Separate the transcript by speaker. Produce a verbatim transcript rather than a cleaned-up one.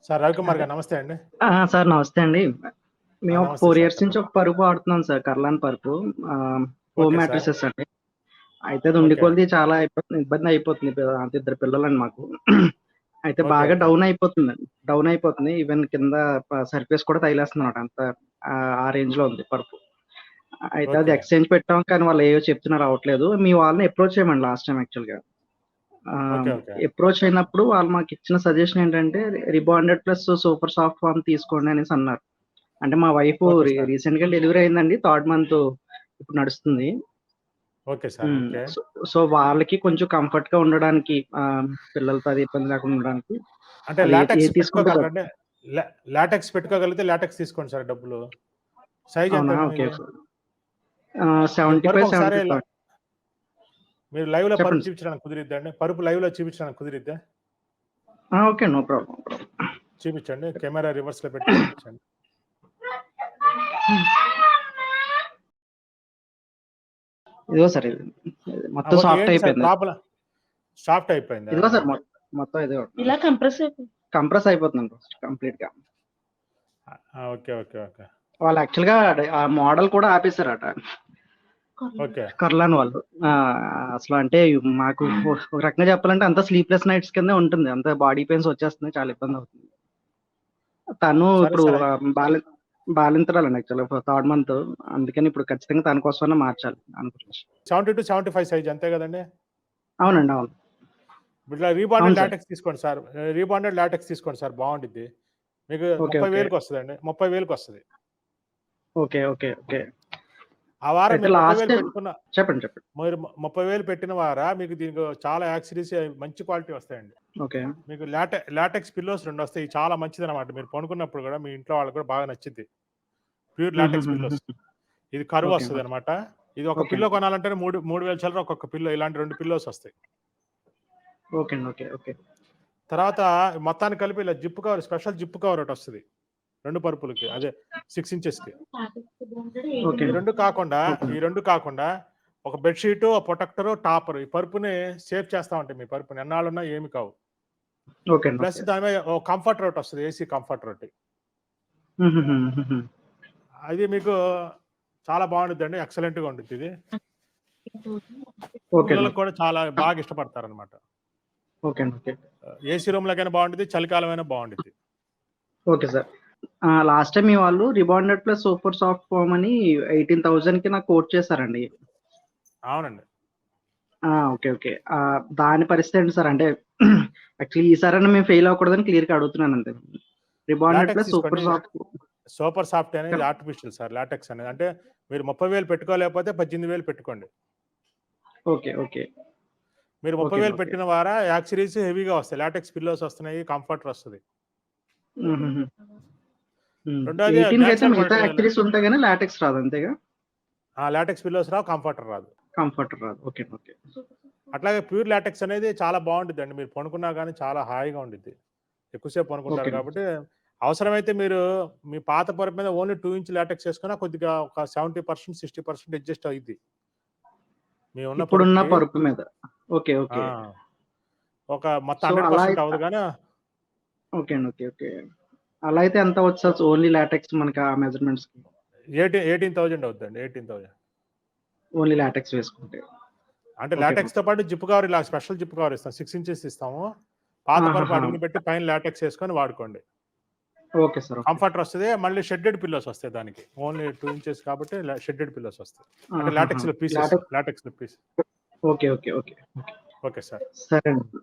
Speaker 1: Sir Ravikumar
Speaker 2: అదే.
Speaker 1: గారు నమస్తే అండి.
Speaker 2: ఆ! సార్ నమస్తే అండి.
Speaker 1: ఆ!
Speaker 2: మేము ఒక
Speaker 1: నమస్తే
Speaker 2: ఫోర్
Speaker 1: సార్
Speaker 2: ఇయర్స్ నుంచి
Speaker 1: చెప్పండి.
Speaker 2: ఒక పరుపు వాడుతున్నాం సార్. కర్లాన్ పరుపు. ఆహ్, హోమ్
Speaker 1: ఓకే సార్.
Speaker 2: మ్యాట్రిసెస్ అండి. అయితే అది ఉండి
Speaker 1: ఓకే.
Speaker 2: కొలిది చాలా ఇబ్బంది ఇబ్బందయిపోతుంది. ప అంటే ఇద్దరు పిల్లలండి మాకు. అయితే
Speaker 1: ఓకే.
Speaker 2: బాగా
Speaker 1: ఓకే.
Speaker 2: డౌన్ అయిపోతుందండి. డౌన్ అయిపోతుంది. ఈవెన్ కింద ప సర్ఫేస్ కూడా తగిలేస్తుందన్నమాట. అంత ఆహ్, ఆ రేంజ్‌లో ఉంది పరుపు. అయితే అది
Speaker 1: ఓకే.
Speaker 2: ఎక్స్‌చేంజ్ పెట్టాం. కానీ వాళ్ళు ఏయో చెప్తున్నారు అవ్వట్లేదు. మీ వాళ్ళని అప్రోచ్ అయ్యామండి లాస్ట్ టైమ్ యాక్చువల్‌గా.
Speaker 1: ఓకే.
Speaker 2: Ah,
Speaker 1: okay.
Speaker 2: అప్రోచ్ అయినప్పుడు వాళ్ళు మాకిచ్చిన సజెషన్ ఏంటంటే rebonded plus super soft form తీసుకోండి అనేసి అన్నారు. అంటే మా వైఫు
Speaker 1: ఓకే
Speaker 2: రీ
Speaker 1: సార్.
Speaker 2: రీసెంట్‌గా డెలివరీ అయిందండి. థర్డ్ మంత్ ఇప్పుడు నడుస్తుంది.
Speaker 1: Okay sir.
Speaker 2: Hmm.
Speaker 1: Okay.
Speaker 2: So, so వాళ్ళకి కొంచెం కంఫర్ట్‌గా ఉండడానికి ఆహ్, పిల్లలతో అది ఇబ్బంది లేకుండా ఉండడానికి
Speaker 1: అంటే
Speaker 2: అది ఏ
Speaker 1: లాటెక్స్
Speaker 2: ఏది తీసుకుంటే బె
Speaker 1: పెట్టుకోగలరండి? లా లాటెక్స్ పెట్టుకోగలిగితే లాటెక్స్ తీసుకోండి సార్ డబ్బులు. సైజ్
Speaker 2: అవునా?
Speaker 1: ఎంతండి
Speaker 2: ఓకే.
Speaker 1: మీది?
Speaker 2: ఓకే. ఆహ్,
Speaker 1: మీరు పరుపు
Speaker 2: సెవెంటీ ఫైవ్,
Speaker 1: ఒకసారి
Speaker 2: సెవెంటీ
Speaker 1: ల
Speaker 2: ఫైవ్
Speaker 1: మీరు లైవ్‌లో పరుపు
Speaker 2: చెప్పండి సార్.
Speaker 1: చూపించడానికి కుదిరిద్దా అండి? పరుపు లైవ్‌లో చూపించడానికి కుదిరిద్దా?
Speaker 2: ఆ! Okay. No problem. No problem.
Speaker 1: చూపించండి. కెమెరా రివర్స్‌లో పెట్టి చూపించండి.
Speaker 2: ఇదిగో సార్ ఇది.
Speaker 1: ఆ!
Speaker 2: మొత్తం
Speaker 1: ఓకే.
Speaker 2: సాఫ్ట్
Speaker 1: ఏంటి సార్
Speaker 2: అయిపోయింది.
Speaker 1: ప్రాబ్లమ్? సాఫ్ట్ అయిపోయిందా?
Speaker 2: ఇదిగో సార్ మొ మొత్తం ఇదిగో.
Speaker 3: ఇలా కంప్రెస్ అయిపోయి
Speaker 2: కంప్రెస్ అయిపోతుందండి ఫస్ట్ కంప్లీట్‌గా.
Speaker 1: ఆ! ఓకే. ఓకే. ఓకే.
Speaker 2: వాళ్ళు యాక్చువల్‌గా అదే ఆ మోడల్ కూడా ఆపేసారట.
Speaker 1: ఓకే.
Speaker 2: కర్లాన్ వాళ్ళు. ఆ! అసలు అంటే మాకు ఒక రకంగా చెప్పాలంటే అంతా స్లీప్‌లెస్ నైట్స్ కిందే ఉంటుంది. అంతా బాడీ పెయిన్స్ వచ్చేస్తున్నాయి. చాలా ఇబ్బందవుతుంది. తను
Speaker 1: సరే
Speaker 2: ఇప్పుడు
Speaker 1: సార్. అయి
Speaker 2: ఆహ్, బాలి బాలింతరాలండి యాక్చువల్‌గా థర్డ్ మంత్. అందుకని ఇప్పుడు ఖచ్చితంగా తన కోసమన్నా మార్చాలి అనుకుంటున్నా.
Speaker 1: Seventy two seventy five size అంతే గదండీ!
Speaker 2: అవునండి. అవును.
Speaker 1: ఇట్లా
Speaker 2: అవును
Speaker 1: రీబాండెడ్
Speaker 2: సార్.
Speaker 1: లాటెక్స్ తీసుకోండి సార్. ఆహ్, రీబాండెడ్ లాటెక్స్ తీసుకోండి సార్ బావుండిద్ది. మీకు
Speaker 2: ఓకే. ఓకే.
Speaker 1: ముప్పై వేలకి వస్తదండి. ముప్పై వేలకి వస్తది.
Speaker 2: ఓకే. ఓకే. ఓకే.
Speaker 1: ఆ వారం
Speaker 2: అయితే
Speaker 1: మీరు
Speaker 2: లాస్ట్
Speaker 1: ముప్పై వేలు
Speaker 2: టైమ్
Speaker 1: పెట్టుకున్న
Speaker 2: చెప్పండి. చెప్పండి.
Speaker 1: మీరు ము ముప్పై వేలు పెట్టిన వారా మీకు దీనికి చాలా యాక్సెసరీస్ మంచి క్వాలిటీ వస్తాయండి.
Speaker 2: ఓకే.
Speaker 1: మీకు లాటె లాటెక్స్ పిల్లోస్ రెండు వస్తాయి. చాలా మంచిదనమాట. మీరు పడుకున్నప్పుడు గూడా మీ ఇంట్లో వాళ్ళకి కూడా బాగా నచ్చిద్ది. Pure LaTeX pillows.
Speaker 2: హుహుహుహుహు.
Speaker 1: ఇది కర్వ్
Speaker 2: ఓకే. ఓకే.
Speaker 1: వస్తదనమాట. ఇది ఒక
Speaker 2: ఓకే
Speaker 1: పిల్లో
Speaker 2: అండి.
Speaker 1: కొనాలంటేనే మూడు మూడు వేల చిల్లర ఒక్కొక్క పిల్లో ఇలాంటి రెండు పిల్లోస్ వస్తాయి.
Speaker 2: ఓకే అండి. ఓకే. ఓకే.
Speaker 1: తర్వాత మొత్తానికి కలిపి ఇలా zip cover special zip cover ఒకటొస్తది. రెండు పరుపులకి. అదే ఆరు ఇంచెస్‌కి.
Speaker 2: ఓకే
Speaker 1: ఈ
Speaker 2: అండి.
Speaker 1: రెండు కాకుండా,
Speaker 2: ఓకే.
Speaker 1: ఈ రెండు కాకుండా ఒక బెడ్ షీటు, ఒక ప్రొటెక్టరు, టాపరు ఈ పరుపుని సేవ్ చేస్తా ఉంటాయి మీ పరుపుని. ఎన్నాళ్ళున్నా ఏమి కావు.
Speaker 2: ఓకే అండి.
Speaker 1: Plus
Speaker 2: okay.
Speaker 1: దాని మీద ఓ కంఫర్టర్ ఒకటొస్తది. ఏసీ కంఫర్టర్ ఒకటి.
Speaker 2: హుహుహుహుహు.
Speaker 1: అది మీకు చాలా బావుండిద్దండి. ఎక్సలెంట్‌గా ఉండిద్దిది.
Speaker 2: ఓకే అండి.
Speaker 1: పిల్లలకి కూడా చాలా బాగా ఇష్టపడతారనమాట.
Speaker 2: ఓకే అండి. ఓకే.
Speaker 1: ఆహ్, ఏసీ రూమ్‌లోకైనా బావుండిద్ది. చలికాలమైనా బావుండిద్ది.
Speaker 2: Okay sir. ఆ! లాస్ట్ టైమ్ మీ వాళ్ళు rebonded plus super soft foam అని 18,000కి నాకు కోట్ చేసారండి.
Speaker 1: అవునండి.
Speaker 2: ఆ! ఓకే. ఓకే. ఆహ్, దాని పరిస్థితి ఏంటి సార్? అంటే యాక్చువల్లీ ఈసారన్నా మేము ఫెయిల్ అవ్వకూడదని క్లియర్‌గా అడుగుతున్నానంతే. రిబాండెడ్
Speaker 1: లాటెక్స్
Speaker 2: ప్లస్
Speaker 1: తీసుకోండి.
Speaker 2: సూపర్ సాఫ్ట్
Speaker 1: సూపర్ సాఫ్ట్ అనేది
Speaker 2: చెప్
Speaker 1: ఆర్టిఫిషియల్ సార్ లాటెక్స్ అనేది. అంటే మీరు ముప్పై వేలు పెట్టుకోలేకపోతే పద్దెనిమిది వేలు పెట్టుకోండి.
Speaker 2: ఓకే. ఓకే.
Speaker 1: మీరు
Speaker 2: ఓకే అండి.
Speaker 1: ముప్పై వేలు
Speaker 2: ఓకే.
Speaker 1: పెట్టిన వారా యాక్సెసరీస్ హెవీగా వస్తాయి. లాటెక్స్ పిల్లోస్ వస్తున్నాయి. కంఫర్టర్ వస్తది.
Speaker 2: హుహుహు. హ్మ్.
Speaker 1: రెండోది
Speaker 2: 18కి అయితే
Speaker 1: నేచురల్
Speaker 2: మిగతా
Speaker 1: మెటీరియల్.
Speaker 2: యాక్సెసరీస్ ఉంటాయి గానీ లాటెక్స్ రాదు అంతేగా?
Speaker 1: ఆ! లాటెక్స్ పిల్లోస్ రావు. కంఫర్టర్ రాదు.
Speaker 2: కంఫర్టర్ రాదు. ఓకే. ఓకే.
Speaker 1: అట్లాగే ప్యూర్ లాటెక్స్ అనేది చాలా బావుండిద్దండి. మీరు పడుకున్నా గానీ చాలా హాయిగా ఉండిద్ది. ఎక్కువ సేపు పనుకుంటారు
Speaker 2: ఓకే.
Speaker 1: కాబట్టి, అవసరమైతే మీరు మీ పాత పరుపు మీద ఓన్లీ రెండు ఇంచ్ లాటెక్స్ ఏసుకున్నా కొద్దిగా ఒక డెబ్బై శాతం, అరవై శాతం అడ్జస్ట్ అయిద్ది. మీ ఉన్న
Speaker 2: ఇప్పుడున్న
Speaker 1: పరుపుకి.
Speaker 2: పరుపు మీద. ఓకే.
Speaker 1: ఆ!
Speaker 2: ఓకే.
Speaker 1: ఒక మొత్తం
Speaker 2: సో, అలా
Speaker 1: వంద శాతం
Speaker 2: అయిత్
Speaker 1: అవ్వదు గానీ
Speaker 2: ఓకే అండి. ఓకే. ఓకే. అలా అయితే ఎంత అవ్వచ్చు సార్? ఓన్లీ లాటెక్స్ మనకి ఆ మెజర్‌మెంట్స్‌కి.
Speaker 1: ఎయిటీ ఎనిమిది వేలు అవుద్దండి. ఎనిమిది వేలు.
Speaker 2: ఓన్లీ లాటెక్స్ వేసుకుంటే.
Speaker 1: అంటే
Speaker 2: ఓకే.
Speaker 1: లాటెక్స్‌తో పాటు జిప్ కవర్ ఇలా స్పెషల్ జిప్ కవర్ ఇస్తాం. ఆరు ఇంచెస్ ఇస్తాము. పాత పరుపు
Speaker 2: ఆహాహా!
Speaker 1: అడుగున పెట్టి పైన లాటెక్స్ ఏసుకొని వాడుకోండి.
Speaker 2: Okay sir. ఓకే.
Speaker 1: కంఫర్టర్ వస్తది. మళ్ళీ షెడ్డెడ్ పిల్లోస్ వస్తాయి దానికి. ఓన్లీ రెండు ఇంచెస్ కాబట్టి ల షెడ్డెడ్ పిల్లోస్ వస్తాయి. అంటే
Speaker 2: ఆహాహా!
Speaker 1: లాటెక్స్‌లో పీసెస్.
Speaker 2: లాటెక్స్
Speaker 1: లాటెక్స్‌లో piece.
Speaker 2: Okay. Okay. Okay. Okay.
Speaker 1: Okay sir.
Speaker 2: సరే అండి.